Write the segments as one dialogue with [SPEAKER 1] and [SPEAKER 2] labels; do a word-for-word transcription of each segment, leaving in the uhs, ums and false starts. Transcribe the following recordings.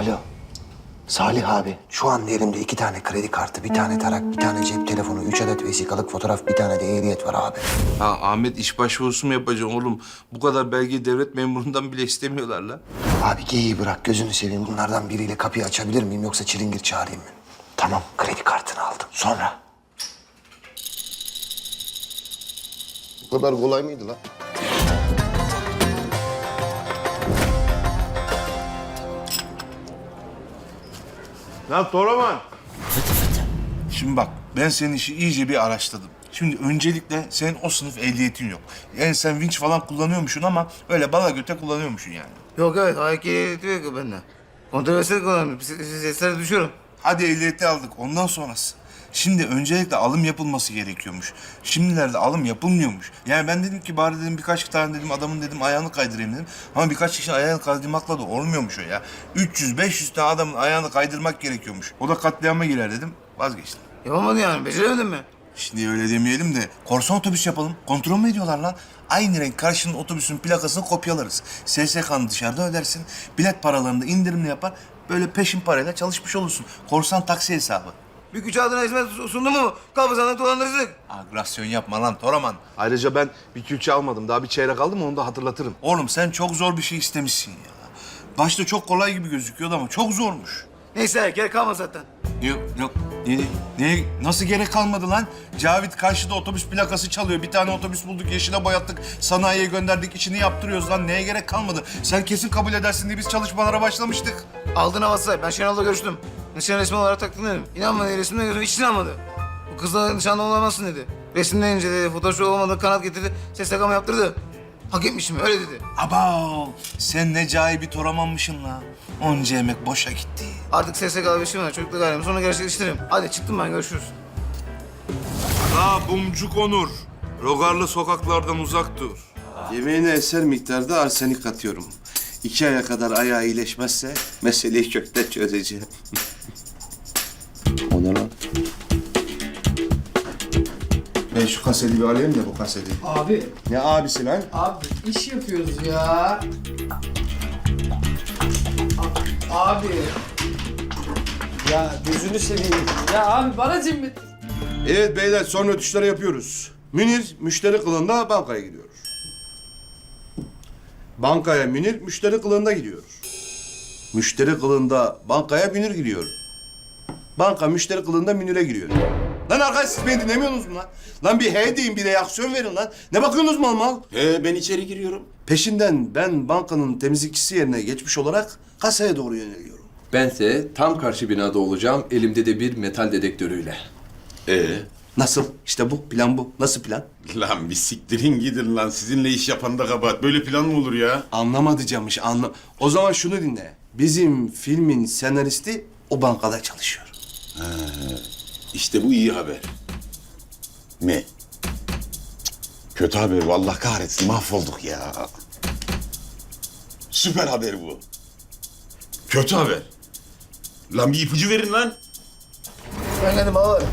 [SPEAKER 1] Alo. Salih abi, şu an elimde iki tane kredi kartı, bir tane tarak, bir tane cep telefonu, üç adet vesikalık fotoğraf, bir tane de ehliyet var abi.
[SPEAKER 2] Ha Ahmet iş başvurusu mu yapacaksın oğlum? Bu kadar belgeyi devlet memurundan bile istemiyorlar lan.
[SPEAKER 1] Abi geyiği bırak, gözünü seveyim. Bunlardan biriyle kapıyı açabilir miyim yoksa çilingir çağırayım mı? Tamam, kredi kartını aldım. Sonra?
[SPEAKER 3] Bu kadar kolay mıydı lan?
[SPEAKER 2] Lan Toraman. Şimdi bak ben senin işi iyice bir araştırdım. Şimdi öncelikle senin o sınıf ehliyetin yok. Yani sen vinç falan kullanıyormuşsun ama öyle bala göte kullanıyormuşsun yani.
[SPEAKER 4] Yok evet, ayak ehliyeti yok bende. Kontrolsüz kullanıyorum. Seslere düşüyorum.
[SPEAKER 2] Hadi ehliyeti aldık ondan sonrası. Şimdi öncelikle alım yapılması gerekiyormuş. Şimdilerde alım yapılmıyormuş. Yani ben dedim ki bari dedim birkaç tane dedim adamın dedim ayağını kaydırayım dedim. Ama birkaç kişinin ayağını kaydırmakla da olmuyormuş o ya. üç yüz beş yüz tane adamın ayağını kaydırmak gerekiyormuş. O da katliama girer dedim. Vazgeçtim.
[SPEAKER 4] Yapamadın yani, beceremedin mi?
[SPEAKER 2] Şimdi öyle demeyelim de korsan otobüs yapalım. Kontrol mü ediyorlar lan? Aynı renk karşının otobüsün plakasını kopyalarız. S S K'nı dışarıda ödersin. Bilet paralarını da indirimli yapar. Böyle peşin parayla çalışmış olursun. Korsan taksi hesabı.
[SPEAKER 4] Bir güç adına hizmet sundu mu? Kabızanlık dolandırıcılık.
[SPEAKER 2] Agresyon yapma lan Toraman.
[SPEAKER 3] Ayrıca ben bir külçe almadım. Daha bir çeyrek aldım, onu da hatırlatırım.
[SPEAKER 2] Oğlum sen çok zor bir şey istemişsin ya. Başta çok kolay gibi gözüküyordu ama çok zormuş.
[SPEAKER 4] Neyse, gerek kalmadı zaten.
[SPEAKER 2] Yok yok. Ne, ne, nasıl gerek kalmadı lan? Cavit karşıda otobüs plakası çalıyor. Bir tane otobüs bulduk, yeşile boyattık. Sanayiye gönderdik, içini yaptırıyoruz lan. Neye gerek kalmadı? Sen kesin kabul edersin diye biz çalışmalara başlamıştık.
[SPEAKER 4] Aldığın havası. Ben Şenol'la görüştüm. Nişan resmi olarak taktın dedim. İnanmadı, resimden gözüm hiç inanmadı. Bu kızla nişanlı olamazsın dedi. Resimden inceledi, fotoğrafı olmadı, kanat getirdi. Ses takama yaptırdı. Hak etmişim, öyle dedi.
[SPEAKER 2] Abav! Sen ne cahil bir Toramanmışsın la. Onca emek boşa gitti.
[SPEAKER 4] Artık S S K'lı bir işim var. Çocukla gayrım. Sonra gerçekleştiririm. Hadi çıktım ben, görüşürüz.
[SPEAKER 2] La Bumcuk Onur. Rogarlı sokaklardan uzak dur.
[SPEAKER 3] Yemeğine eser miktarda arsenik atıyorum. İki aya kadar ayağı iyileşmezse meseleyi kökten çözeceğim. O ne lan?
[SPEAKER 2] Ben şu kaseti bir alayım da bu kaseti.
[SPEAKER 5] Abi,
[SPEAKER 3] Ne abisi lan?
[SPEAKER 5] abi iş yapıyoruz ya. A- Abi. Ya gözünü seveyim. Ya abi bana zimmet.
[SPEAKER 3] Evet beyler, son ötüşleri yapıyoruz. Münir müşteri kılığında bankaya gidiyor. Bankaya Münir müşteri kılığında gidiyor. Müşteri kılığında bankaya Münir gidiyor. Banka müşteri kılığında Münir'e giriyor. Lan arkadaş, siz beni dinlemiyorsunuz mu lan? Lan bir he deyin, bir reaksiyon verin lan. Ne bakıyorsunuz mal mal?
[SPEAKER 6] He, ben içeri giriyorum.
[SPEAKER 3] Peşinden ben bankanın temizlikçisi yerine geçmiş olarak kasaya doğru yöneliyorum.
[SPEAKER 7] Bense tam karşı binada olacağım, elimde de bir metal dedektörüyle.
[SPEAKER 6] Ee,
[SPEAKER 3] Nasıl? İşte bu plan bu. Nasıl plan?
[SPEAKER 6] lan bir siktirin gidin lan. Sizinle iş yapan da kabahat. Böyle plan mı olur ya?
[SPEAKER 3] Anlamadı Camış, anla. O zaman şunu dinle. Bizim filmin senaristi o bankada çalışıyor.
[SPEAKER 6] İşte bu iyi haber. Ne? Cık, kötü haber. Vallahi kahretsin. Mahvolduk ya. Süper haber bu. Kötü haber. Lan bir ipucu verin lan.
[SPEAKER 4] Ben geldim abi.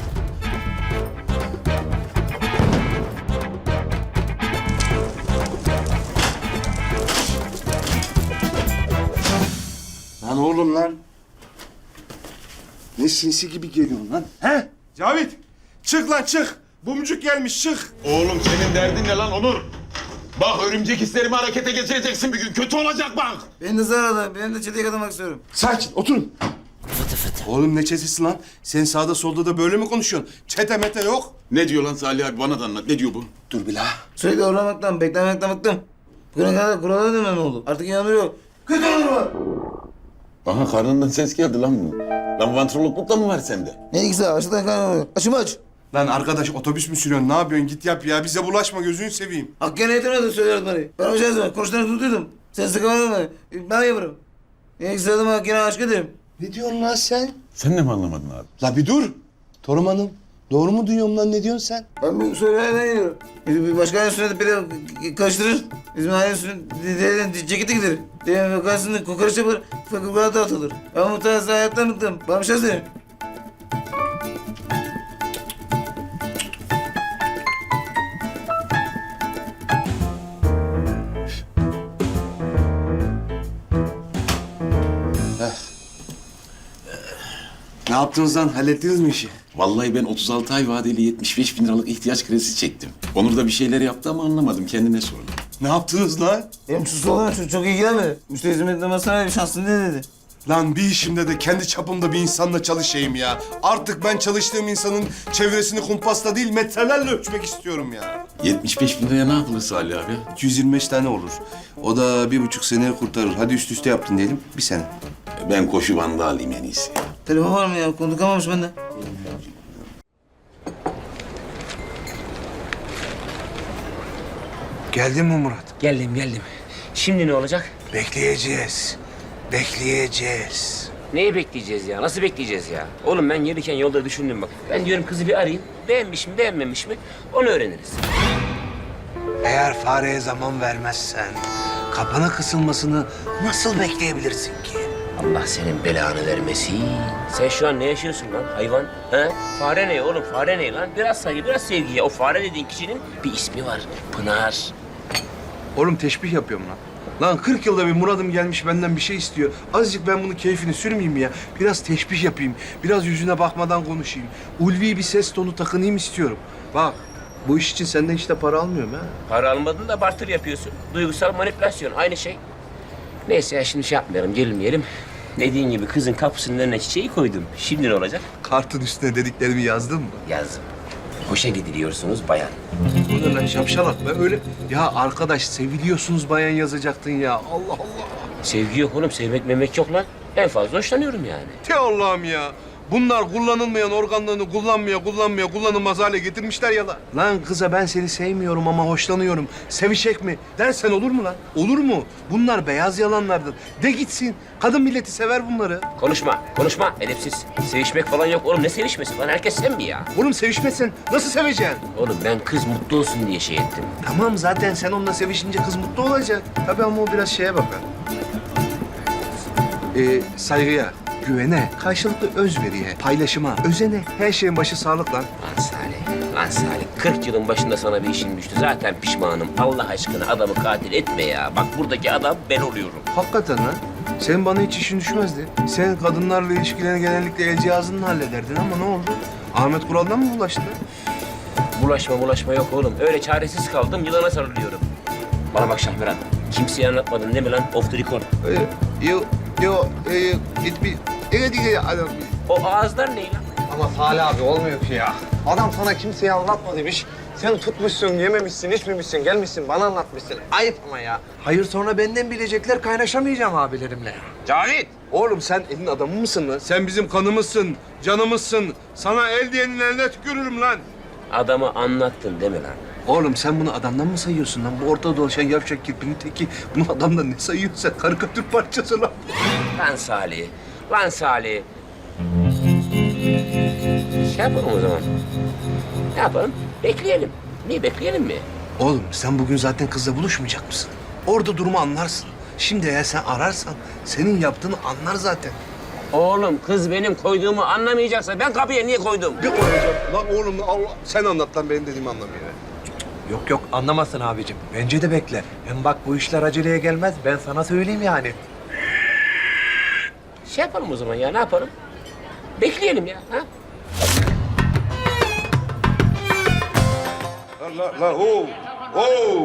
[SPEAKER 3] Lan oğlum lan. Ne sinsi gibi geliyorsun lan? He? Cavit, çık lan çık. Bumcuk gelmiş, çık.
[SPEAKER 6] Oğlum senin derdin ne lan Onur? Bak örümcek hislerimi harekete geçireceksin bir gün. Kötü olacak bak.
[SPEAKER 4] Beni de zararlı. Ben de çeteye katılmak istiyorum.
[SPEAKER 3] Sakin, oturun. Oğlum ne çetesi lan? Sen sağda solda da böyle mi konuşuyorsun? Çete mete yok.
[SPEAKER 6] Ne diyor lan Salih abi? Bana da anlat. Ne diyor bu?
[SPEAKER 3] Dur bir la.
[SPEAKER 4] Sürekli uğramaktan, beklemekten bıktım. Bugüne kadar kurala dönmem oldu. Artık inanıyor. Kötü olur var.
[SPEAKER 6] Aha karnından ses geldi lan bu. Lan vantrologluk da mı var sende?
[SPEAKER 4] Ne ikisi açlıktan kaynanıyor. Açımı aç.
[SPEAKER 3] Lan arkadaş, otobüs mü sürüyorsun? Ne yapıyorsun? Git yap ya. Bize bulaşma, gözünü seveyim.
[SPEAKER 4] Hakkı'ya yetemedi söylüyordu bana. Ben hocam zaman konuşlarını tutuyordum. Sen sıkamadın mı? Ben yaparım. Ne ikisi adıma Hakkı'ya aşk ederim.
[SPEAKER 3] Ne diyorsun lan sen?
[SPEAKER 6] Sen de mi anlamadın abi?
[SPEAKER 3] La bir dur. Torum Hanım, doğru mu duyuyorum lan? Ne diyorsun sen?
[SPEAKER 4] Ben bu söylemeden geliyorum. Bir başka ailenin sünneti beni karıştırır. Bizim ailenin sünneti ceketi gider. Diyelim vakansında kokoreç yapılır, fakirlikler dağıtılır. Ben bu tarz hayattan bıktım. Bana bir şey söyleyeyim.
[SPEAKER 3] Ne yaptınız lan? Hallettiniz mi işi?
[SPEAKER 6] Vallahi ben otuz altı ay vadeli yetmiş beş bin liralık ihtiyaç kredisi çektim. Onur da bir şeyler yaptı ama anlamadım. Kendine sordum.
[SPEAKER 3] Ne yaptınız lan?
[SPEAKER 4] Benim sus olan çok, çok ilgilenmedi. Müşteri hizmetlemesine bir şansın ne dedi?
[SPEAKER 3] Lan bir işimde de kendi çapımda bir insanla çalışayım ya. Artık ben çalıştığım insanın çevresini kumpasla değil metrelerle ölçmek istiyorum ya.
[SPEAKER 6] yetmiş beş bin liraya ne yapılır Salih abi?
[SPEAKER 3] iki yüz yirmi beş tane olur. O da bir buçuk sene kurtarır. Hadi üst üste yaptın diyelim. Bir sene.
[SPEAKER 6] Ben koşu bandı alayım en iyisi.
[SPEAKER 4] Telefon var mı ya? Konuşamamış bende.
[SPEAKER 1] Geldin mi Murat?
[SPEAKER 8] Geldim geldim. Şimdi ne olacak?
[SPEAKER 1] Bekleyeceğiz. Bekleyeceğiz.
[SPEAKER 8] Neyi bekleyeceğiz ya? Nasıl bekleyeceğiz ya? Oğlum ben gelirken yolda düşündüm bak. Ben diyorum kızı bir arayayım. Beğenmiş mi beğenmemiş mi? Onu öğreniriz.
[SPEAKER 1] Eğer fareye zaman vermezsen kapına kısılmasını nasıl bekleyebilirsin ki?
[SPEAKER 8] Allah senin belanı vermesin. Sen şu an ne yaşıyorsun lan hayvan? Ha? Fare ne oğlum? Fare ne lan? Biraz saygı, biraz sevgi ya. O fare dediğin kişinin bir ismi var. Pınar.
[SPEAKER 9] Oğlum teşbih yapıyorum lan. Lan kırk yılda bir Murat'ım gelmiş benden bir şey istiyor. Azıcık ben bunun keyfini sürmeyeyim ya. Biraz teşbih yapayım. Biraz yüzüne bakmadan konuşayım. Ulvi bir ses tonu takınayım istiyorum. Bak bu iş için senden hiç de para almıyorum ha.
[SPEAKER 8] Para almadın da barter yapıyorsun. Duygusal manipülasyon aynı şey. Neyse ya şimdi şey yapmayalım, gerilmeyelim. Dediğin gibi kızın kapısının önüne çiçeği koydum. Şimdi ne olacak?
[SPEAKER 9] Kartın üstüne dediklerimi yazdın mı?
[SPEAKER 8] Yazdım. Hoşa gidiliyorsunuz bayan.
[SPEAKER 9] Bu ne lan şapşalak ben öyle... Ya arkadaş seviliyorsunuz bayan yazacaktın ya. Allah Allah.
[SPEAKER 8] Sevgi yok oğlum, sevmek memek yok lan. En fazla hoşlanıyorum yani.
[SPEAKER 9] Te Allah'ım ya. Bunlar kullanılmayan organlarını kullanmaya, kullanmaya, kullanılmaz hale getirmişler ya lan. Lan kıza ben seni sevmiyorum ama hoşlanıyorum. Sevişek mi? Dersen olur mu lan? Olur mu? Bunlar beyaz yalanlardır. De gitsin. Kadın milleti sever bunları.
[SPEAKER 8] Konuşma, konuşma. Edepsiz. Sevişmek falan yok oğlum. Ne sevişmesi lan? Herkes sen mi ya?
[SPEAKER 9] Oğlum sevişmezsen nasıl seveceksin?
[SPEAKER 8] Oğlum ben kız mutlu olsun diye şey ettim.
[SPEAKER 9] Tamam zaten sen onunla sevişince kız mutlu olacak. Tabii ama o biraz şeye bakar. Ee, saygıya, güvene, karşılıklı özveriye, paylaşıma, özene, her şeyin başı sağlık lan.
[SPEAKER 8] Lan Salih, lan Salih. kırk yılın başında sana bir işin düştü. Zaten pişmanım. Allah aşkına adamı katil etme ya. Bak buradaki adam ben oluyorum.
[SPEAKER 9] Hakikaten lan. Senin bana hiç işin düşmezdi. Sen kadınlarla ilişkilerini genellikle el cihazınla hallederdin ama ne oldu? Ahmet Kural'dan mı bulaştı?
[SPEAKER 8] Bulaşma bulaşma yok oğlum. Öyle çaresiz kaldım, yılana sarılıyorum. Bana bak Şahmeran. Kimseye anlatmadın değil mi lan? Off the record.
[SPEAKER 9] Ee, yo, yo, e, it bir... Evet, evet, adam.
[SPEAKER 8] O ağızlar ne lan?
[SPEAKER 10] Ama Salih abi olmuyor ki ya. Adam sana kimseye anlatma demiş. Sen tutmuşsun, yememişsin, içmemişsin, gelmişsin bana anlatmışsın. Ayıp ama ya. Hayır sonra benden bilecekler kaynaşamayacağım abilerimle.
[SPEAKER 8] Cavit!
[SPEAKER 9] Oğlum sen elin adamı mısın lan? Sen bizim kanımızsın, canımızsın. Sana el diyenin eline tükürürüm lan.
[SPEAKER 8] Adamı anlattın değil mi lan?
[SPEAKER 9] Oğlum sen bunu adamdan mı sayıyorsun lan? Bu ortada dolaşan yavşak kirpinin teki. Bunu adamdan ne sayıyorsun sen? Karikatür parçası lan.
[SPEAKER 8] Lan Salih, lan Salih. Şey yapalım o zaman. Ne yapalım? Bekleyelim. Niye bekleyelim mi?
[SPEAKER 9] Oğlum sen bugün zaten kızla buluşmayacak mısın? Orada durumu anlarsın. Şimdi eğer sen ararsan senin yaptığını anlar zaten.
[SPEAKER 8] Oğlum kız benim koyduğumu anlamayacaksa ben kapıya niye koydum?
[SPEAKER 9] Bir koyacağım. Lan oğlum Allah sen anlat lan benim dediğimi anlamıyor.
[SPEAKER 10] Yok yok anlamazsın abicim. Bence de bekle. Hem bak bu işler aceleye gelmez. Ben sana söyleyeyim yani.
[SPEAKER 8] Şey yapalım o zaman ya, ne yapalım? Bekleyelim ya, ha?
[SPEAKER 3] La la oo. Oo.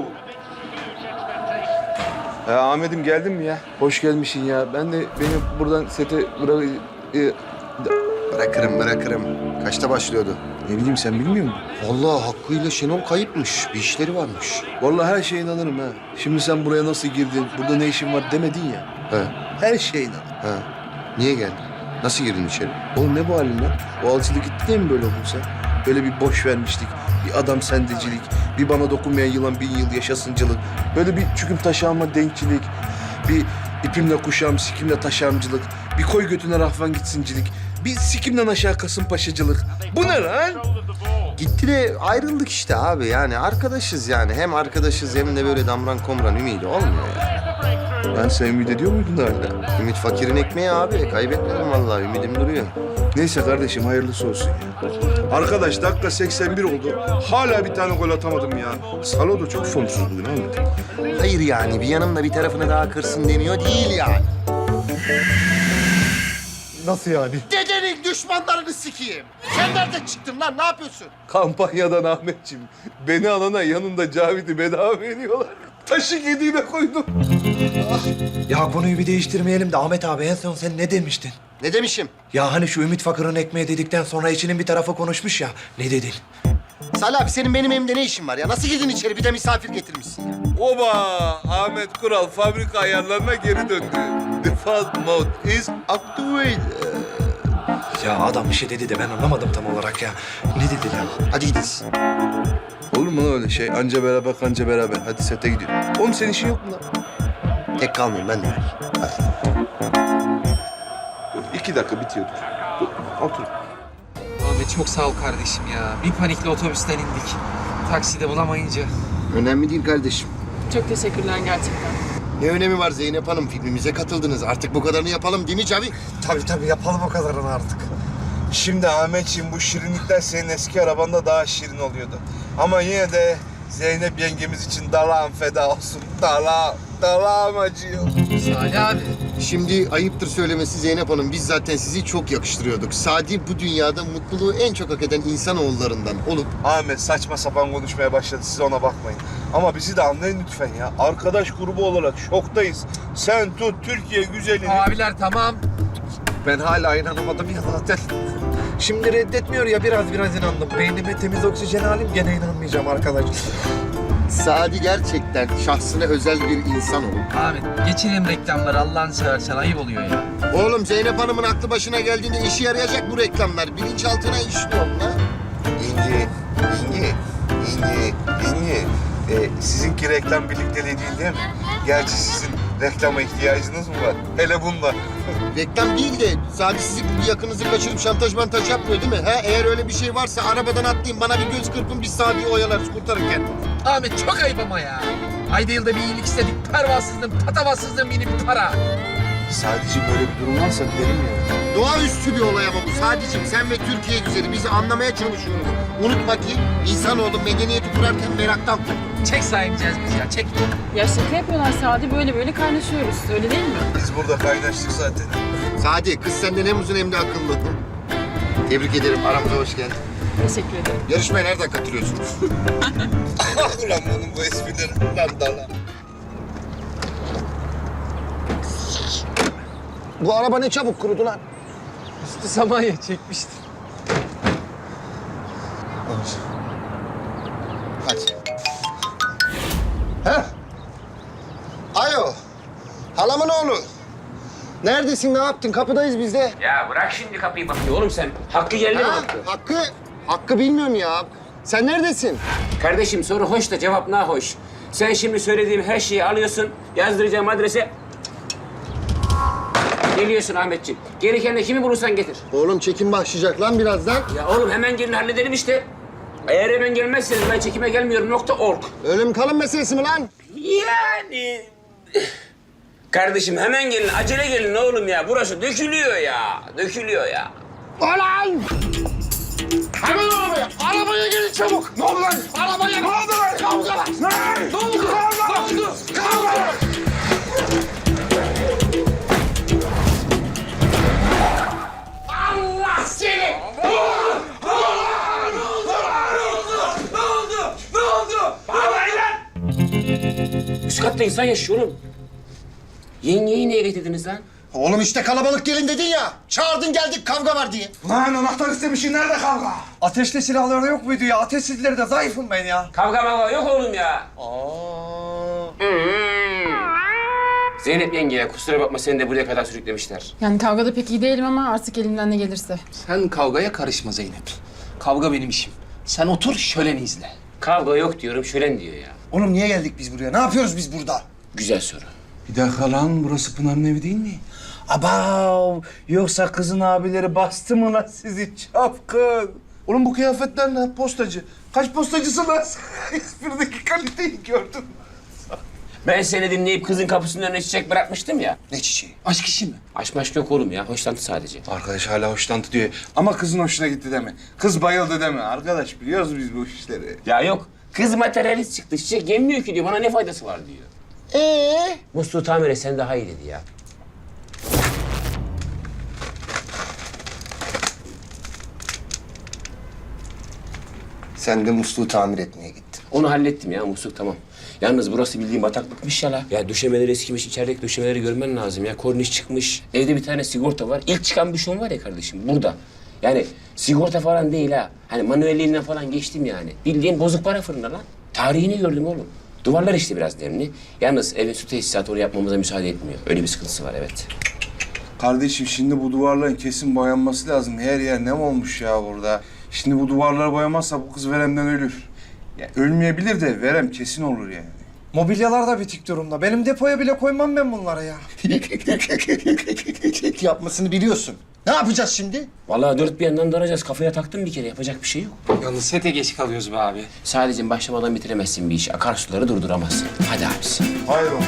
[SPEAKER 9] Ya Ahmet'im geldin mi ya? Hoş gelmişsin ya. Ben de beni buradan sete bırak... e,
[SPEAKER 1] Bırakırım bırakırım. Kaçta başlıyordu?
[SPEAKER 9] ne bileyim sen bilmiyor musun?
[SPEAKER 1] Vallahi Hakkı'yla Şenol kayıpmış. Bir işleri varmış.
[SPEAKER 9] Vallahi her şeye inanırım ha. Şimdi sen buraya nasıl girdin, burada ne işin var demedin ya.
[SPEAKER 1] He.
[SPEAKER 9] Her şeye inan.
[SPEAKER 1] Ha. Niye geldin? Nasıl girdin içeri?
[SPEAKER 9] Oğlum ne bu halin lan? O alçılı gitti de mi böyle oldun sen? Böyle bir boş vermişlik, bir adam sendecilik, bir bana dokunmayan yılan bin yıl yaşasıncılık. Böyle bir çüküm taşağıma denkçilik, bir ipimle kuşağım, sikimle taşağımcılık, bir koy götüne rahvan gitsincilik, bir sikimden aşağı kasımpaşacılık. Bu ne lan?
[SPEAKER 1] Gitti de ayrıldık işte abi. Yani arkadaşız yani. Hem arkadaşız hem de böyle damran komran ümidi olmuyor ya.
[SPEAKER 9] Lan sen ümit ediyor muydun hala?
[SPEAKER 1] Ümit fakirin ekmeği abi. Kaybetmedim vallahi. Ümidim duruyor.
[SPEAKER 9] Neyse kardeşim hayırlısı olsun ya. Arkadaş dakika seksen bir oldu. Hala bir tane gol atamadım ya. Salo da çok formsuz bugün Ahmet.
[SPEAKER 1] Hayır yani bir yanımda bir tarafını daha kırsın demiyor değil yani.
[SPEAKER 9] Nasıl yani?
[SPEAKER 1] Dedenin düşmanlarını sikeyim. Sen nereden çıktın lan? Ne yapıyorsun?
[SPEAKER 9] Kampanyadan Ahmetciğim. Beni alana yanında Cavit'i bedava veriyorlar. Taşı yediğine koydum.
[SPEAKER 10] Ya konuyu bir değiştirmeyelim de Ahmet abi en son sen ne demiştin?
[SPEAKER 1] Ne demişim?
[SPEAKER 10] Ya hani şu Ümit Fakır'ın ekmeği dedikten sonra içinin bir tarafı konuşmuş ya. Ne dedin?
[SPEAKER 1] Salih abi senin benim evimde ne işin var ya? Nasıl girdin içeri? Bir de misafir getirmişsin ya.
[SPEAKER 9] Oba! Ahmet Kural fabrika ayarlarına geri döndü. Default mode is activated.
[SPEAKER 10] Ya adam bir şey dedi de ben anlamadım tam olarak ya. Ne dedi lan?
[SPEAKER 1] Hadi gidiyoruz.
[SPEAKER 9] Olur mu lan öyle şey? Anca beraber kanca beraber. Hadi sete gidiyor. Oğlum senin işin yok mu lan?
[SPEAKER 1] Tek kalmayayım ben de.
[SPEAKER 9] İki dakika bitiyordur. Dur, otur.
[SPEAKER 5] Abi çok sağ ol kardeşim ya. Bir panikle otobüsten indik. Takside bulamayınca.
[SPEAKER 1] Önemli değil kardeşim.
[SPEAKER 11] Çok teşekkürler gerçekten.
[SPEAKER 1] Ne önemi var Zeynep Hanım? Filmimize katıldınız. Artık bu kadarını yapalım değil mi Cavi?
[SPEAKER 10] Tabii tabii yapalım o kadarını artık.
[SPEAKER 2] Şimdi Ahmetciğim bu şirinlikler senin eski arabanda daha şirin oluyordu. Ama yine de Zeynep yengemiz için dalağım feda olsun. Dalağım, dalağım acıyor.
[SPEAKER 5] Salih abi.
[SPEAKER 1] Şimdi ayıptır söylemesi Zeynep Hanım. Biz zaten sizi çok yakıştırıyorduk. Sadi bu dünyada mutluluğu en çok hak eden insanoğullarından olup...
[SPEAKER 2] Ahmet saçma sapan konuşmaya başladı. Siz ona bakmayın. Ama bizi de anlayın lütfen ya. Arkadaş grubu olarak şoktayız. Sen tut Türkiye güzelini.
[SPEAKER 5] Abiler tamam.
[SPEAKER 10] Ben hala inanamadım ya zaten. Şimdi reddetmiyor ya biraz biraz inandım. Beynime temiz oksijen alayım gene inanmayacağım arkadaş.
[SPEAKER 1] Sadi gerçekten şahsına özel bir insan olup...
[SPEAKER 5] Abi geçelim reklamları Allah'ını seversen ayıp oluyor ya.
[SPEAKER 1] Oğlum Zeynep Hanım'ın aklı başına geldiğinde işe yarayacak bu reklamlar. Bilinçaltına işliyor lan.
[SPEAKER 2] Yenge, yenge, yenge, yenge. Ee, sizinki reklam birlikteliği değil değil mi? Gerçi sizin reklama ihtiyacınız mı var? Hele bunda.
[SPEAKER 1] Reklam değil de Sadi sizin bir yakınızı kaçırıp şantaj mantaj yapmıyor değil mi? Ha? Eğer öyle bir şey varsa arabadan atlayın bana bir göz kırpın biz Sadi'yi oyalarız kurtarın kendini.
[SPEAKER 5] Ahmet çok ayıp ama ya. Ayda yılda bir iyilik istedik. Pervasızlığın, patavatsızlığın yeni bir para.
[SPEAKER 2] Sadece böyle bir durum varsa gidelim ya.
[SPEAKER 1] Doğaüstü bir olay ama bu. Sadece sen ve Türkiye güzeli bizi anlamaya çalışıyoruz. Unutma ki insanoğlu medeniyeti kurarken meraktan kurdu.
[SPEAKER 5] Çek sahipeceğiz biz ya, çek.
[SPEAKER 11] Ya şaka yapıyorlar Sadi. Böyle böyle kaynaşıyoruz. Öyle değil mi?
[SPEAKER 2] Biz burada kaynaştık zaten.
[SPEAKER 1] Sadi kız senden hem uzun hem de akıllı. Tebrik ederim. Aramıza hoş geldin.
[SPEAKER 11] Teşekkür ederim.
[SPEAKER 1] Yarışmaya nereden katılıyorsunuz?
[SPEAKER 2] Ulan bunun bu esprileri. Lan dala.
[SPEAKER 1] Bu araba ne çabuk kurudu lan.
[SPEAKER 5] Üstü Samanya çekmişti.
[SPEAKER 1] Hadi. Heh. Alo. Halamın oğlu. Neredesin, ne yaptın? Kapıdayız biz de.
[SPEAKER 8] Ya bırak şimdi kapıyı bakıyor oğlum sen. Hakkı geldi mi
[SPEAKER 1] Ha,
[SPEAKER 8] Hakkı?
[SPEAKER 1] Hakkı, Hakkı bilmiyorum ya. Sen neredesin?
[SPEAKER 8] Kardeşim soru hoş da cevap nahoş. Sen şimdi söylediğim her şeyi alıyorsun, yazdıracağım adrese... Geliyorsun Ahmetciğim. Gereken de kimi bulursan getir.
[SPEAKER 1] Oğlum çekim başlayacak lan birazdan.
[SPEAKER 8] Ya oğlum hemen gelin halledelim işte. Eğer hemen gelmezseniz ben çekime gelmiyorum nokta org.
[SPEAKER 1] Ölüm kalım meselesi mi lan?
[SPEAKER 8] Yani... Kardeşim hemen gelin, acele gelin oğlum ya. Burası dökülüyor ya, dökülüyor ya.
[SPEAKER 1] Ulan! Hemen arabaya! Arabaya gelin çabuk! Ne oldu lan? Arabaya! Ne oldu lan? Kavga var! Ne? Ne oldu? Kavga! Ne oldu? Kavga var! Allah seni! Ne oldu? Ne oldu? Ne oldu? Ne oldu? Bağlayın lan!
[SPEAKER 8] Üst katta insan yaşıyor oğlum. Yengeyi niye getirdiniz lan?
[SPEAKER 1] Oğlum işte kalabalık gelin dedin ya. Çağırdın geldik kavga var diye.
[SPEAKER 10] Lan anahtar istemişsin nerede kavga? Ateşli silahları yok muydu ya? Ateşsizleri de zayıfım ben ya.
[SPEAKER 8] Kavga mavga yok oğlum ya. Zeynep yengeye kusura bakma seni de buraya kadar sürüklemişler.
[SPEAKER 11] Yani kavgada pek iyi değilim ama artık elimden ne gelirse.
[SPEAKER 5] Sen kavgaya karışma Zeynep. Kavga benim işim. Sen otur şöleni izle.
[SPEAKER 8] Kavga yok diyorum şölen diyor ya.
[SPEAKER 10] Oğlum niye geldik biz buraya? Ne yapıyoruz biz burada?
[SPEAKER 8] Güzel soru.
[SPEAKER 6] Bir dakika lan burası Pınar'ın evi değil mi?
[SPEAKER 10] Abav! Yoksa kızın abileri bastı mı lan sizi çapkın?
[SPEAKER 9] Oğlum bu kıyafetler ne? Postacı. Kaç postacısın lan? Esprideki kaliteyi gördün.
[SPEAKER 8] Ben seni dinleyip kızın kapısının önüne çiçek bırakmıştım ya.
[SPEAKER 9] Ne çiçeği?
[SPEAKER 5] Aşk işi mi?
[SPEAKER 8] Aşk maşk yok oğlum ya. Hoşlantı sadece.
[SPEAKER 6] Arkadaş hala hoşlantı diyor. Ama kızın hoşuna gitti deme. Kız bayıldı deme. Arkadaş biliyoruz biz bu işleri.
[SPEAKER 8] Ya yok. Kız materyalist çıktı. Çiçek yemiyor ki diyor. Bana ne faydası var diyor.
[SPEAKER 1] Ee?
[SPEAKER 8] Musluğu tamir et sen daha iyi dedi ya.
[SPEAKER 10] Sen de musluğu tamir etmeye gittin.
[SPEAKER 8] Onu hallettim ya musluk tamam. Yalnız burası bildiğin bataklıkmış ya la. Ya döşemeler eskimiş, içerideki döşemeleri görmen lazım ya. Korniş çıkmış. Evde bir tane sigorta var. İlk çıkan bir şey var ya kardeşim burada. Yani sigorta falan değil ha. Hani manuelliğinden falan geçtim yani. Bildiğin bozuk para fırında lan. Tarihini gördüm oğlum. Duvarlar işte biraz nemli. Yalnız evin su tesisatı oraya yapmamıza müsaade etmiyor. Öyle bir sıkıntısı var evet.
[SPEAKER 2] Kardeşim şimdi bu duvarların kesin boyanması lazım. Her yer nem olmuş ya burada. Şimdi bu duvarları boyamazsa bu kız veremden ölür. Ya ölmeyebilir de verem kesin olur yani.
[SPEAKER 10] Mobilyalar da bitik durumda. Benim depoya bile koymam ben bunlara ya. Yapmasını biliyorsun. Ne yapacağız şimdi?
[SPEAKER 8] Vallahi dört bir yandan daracağız. Kafaya taktım bir kere. Yapacak bir şey yok.
[SPEAKER 5] Yalnız sete geç kalıyoruz be abi.
[SPEAKER 8] Sadece başlamadan bitiremezsin bir işi. Akarsuları durduramazsın. Hadi abisi.
[SPEAKER 2] Hayır oğlum.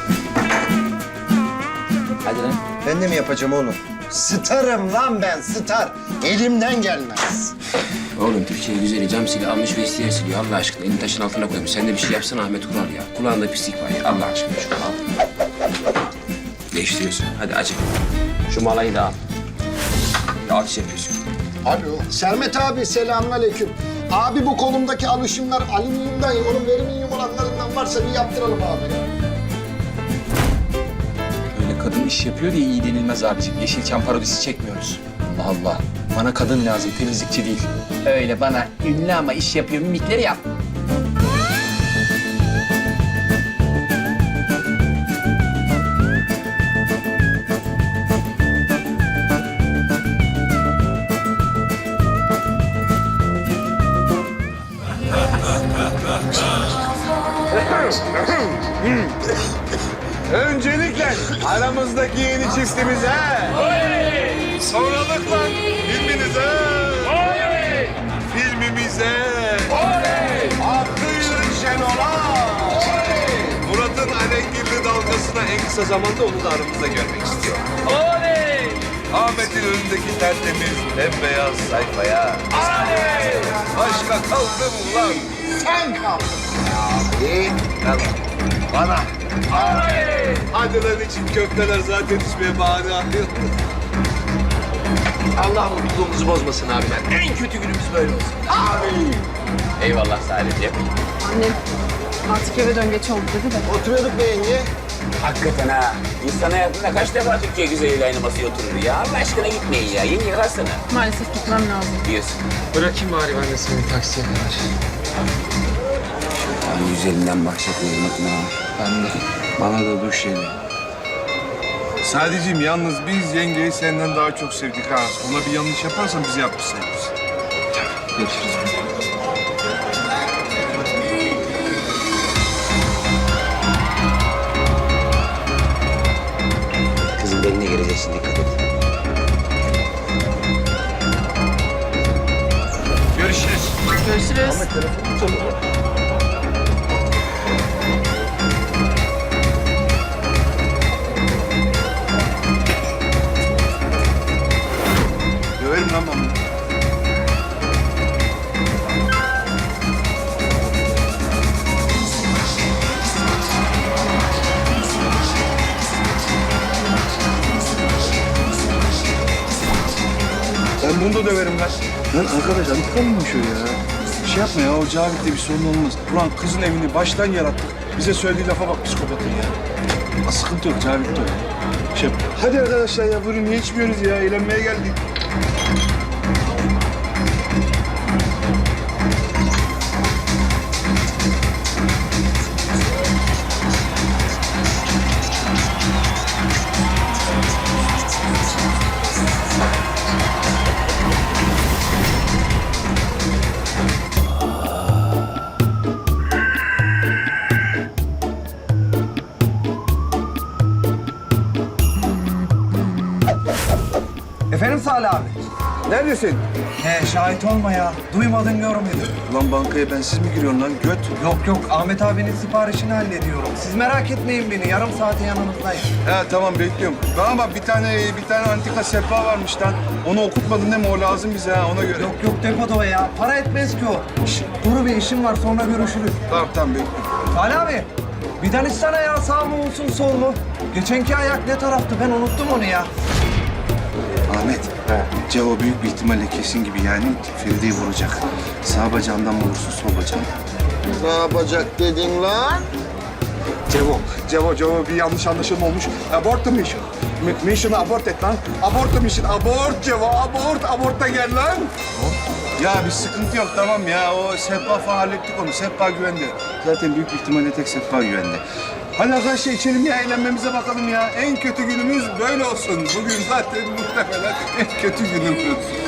[SPEAKER 8] Hadi lan.
[SPEAKER 10] Ben de mi yapacağım oğlum? Starım lan ben, star. Elimden gelmez.
[SPEAKER 8] Oğlum Türkiye güzeli cam sili almış ve isteyen siliyor. Allah aşkına elini taşın altına koymuş. Sen de bir şey yapsana Ahmet Kural ya. Kulağında pislik var ya. Allah aşkına şunu al. Değiştiriyorsun. Hadi acı. Şu malayı da al. Alış yapıyorsun.
[SPEAKER 1] Alo. Sermet abi selamünaleyküm. Abi bu kolumdaki alışımlar alüminyumdan, onun veriminyum olanlarından varsa bir yaptıralım abi ya.
[SPEAKER 5] Öyle kadın iş yapıyor diye iyi denilmez abiciğim. Yeşilçam parodisi çekmiyoruz. Allah Allah. Bana kadın lazım, temizlikçi değil. Öyle bana ünlü ama iş yapıyor mimikleri yap.
[SPEAKER 3] Öncelikle aramızdaki yeni çiftimize. Sonralıkla filminize. Filmimize. Hakkı yürü Şenol'a. Murat'ın alengirli dalgasına en kısa zamanda onu da aramızda görmek istiyor. Ahmet'in önündeki tertemiz bembeyaz sayfaya. Başka kaldım ulan.
[SPEAKER 1] Sen kaldın.
[SPEAKER 3] Abi. Bana. Hadi lan için köfteler zaten içmeye bahane arıyor.
[SPEAKER 8] Allah mutluluğumuzu bozmasın abi ben. En kötü günümüz böyle olsun. Abi. Eyvallah Salih'ciğim.
[SPEAKER 11] Annem artık eve dön geç oldu dedi de.
[SPEAKER 1] Oturuyorduk be yenge.
[SPEAKER 8] Hakikaten ha. İnsan hayatında kaç defa Türkiye güzeliyle aynı masaya oturur ya. Allah aşkına gitmeyin ya. Yeni yıkarsana
[SPEAKER 11] Maalesef gitmem lazım.
[SPEAKER 8] diyorsun.
[SPEAKER 5] Bırakayım bari ben de seni taksiye kadar.
[SPEAKER 8] Abi güzelinden bahsetmeyi unutma.
[SPEAKER 5] Ben de.
[SPEAKER 2] Bana da duş yedi. Sadece yalnız biz yengeyi senden daha çok sevdik ha. Ona bir yanlış yaparsan bizi yapmış sayılırız.
[SPEAKER 5] Görüşürüz.
[SPEAKER 8] Kızım beline gireceksin dikkat et.
[SPEAKER 5] Görüşürüz.
[SPEAKER 11] Görüşürüz.
[SPEAKER 2] Döverim lan ben bunu. Ben bunu da döverim lan. Lan arkadaş antika mıymış o ya? Şey yapma ya, o Cavit'le bir sorun olmaz. Ulan kızın evini baştan yarattık. Bize söylediği lafa bak psikopatın ya. Ama sıkıntı yok, Cavit de o. Şey yap. Hadi arkadaşlar ya, buyurun niye içmiyoruz ya? Eğlenmeye geldik.
[SPEAKER 10] Efendim Salih abi?
[SPEAKER 3] Neredesin?
[SPEAKER 10] He şahit olma ya. Duymadın görmedin.
[SPEAKER 2] Ulan bankaya bensiz mi giriyorsun lan göt?
[SPEAKER 10] Yok yok Ahmet abinin siparişini hallediyorum. Siz merak etmeyin beni. Yarım saate yanınızdayım.
[SPEAKER 2] He tamam bekliyorum. Bana bak bir tane bir tane antika sehpa varmış lan. Onu okutmadın değil mi? O lazım bize ha ona göre.
[SPEAKER 10] Yok yok depoda o ya. Para etmez ki o. Şş, Duru bir işim var sonra görüşürüz.
[SPEAKER 2] Tamam tamam bekliyorum.
[SPEAKER 10] Salih abi. Bir danışsana ya sağ mı olsun sol mu? Geçenki ayak ne taraftı ben unuttum onu ya.
[SPEAKER 9] Ahmet, Cevo büyük bir ihtimalle kesin gibi yani Feride'yi vuracak. Sağ bacağından mı vursun, sol bacağından?
[SPEAKER 1] Ne yapacak dedin lan?
[SPEAKER 9] Cevo, Cevo, Cevo bir yanlış anlaşılma olmuş. Abort the mission. M- mission'ı abort et lan. Abort the mission, abort Cevo, abort, abort da gel lan. Ya bir sıkıntı yok tamam ya. O Sehpa falan hallettik onu. Sehpa güvende. Zaten büyük bir ihtimalle tek Sehpa güvende. Hadi arkadaşlar içelim ya, eğlenmemize bakalım ya. En kötü günümüz böyle olsun. Bugün zaten muhtemelen en kötü günümüz.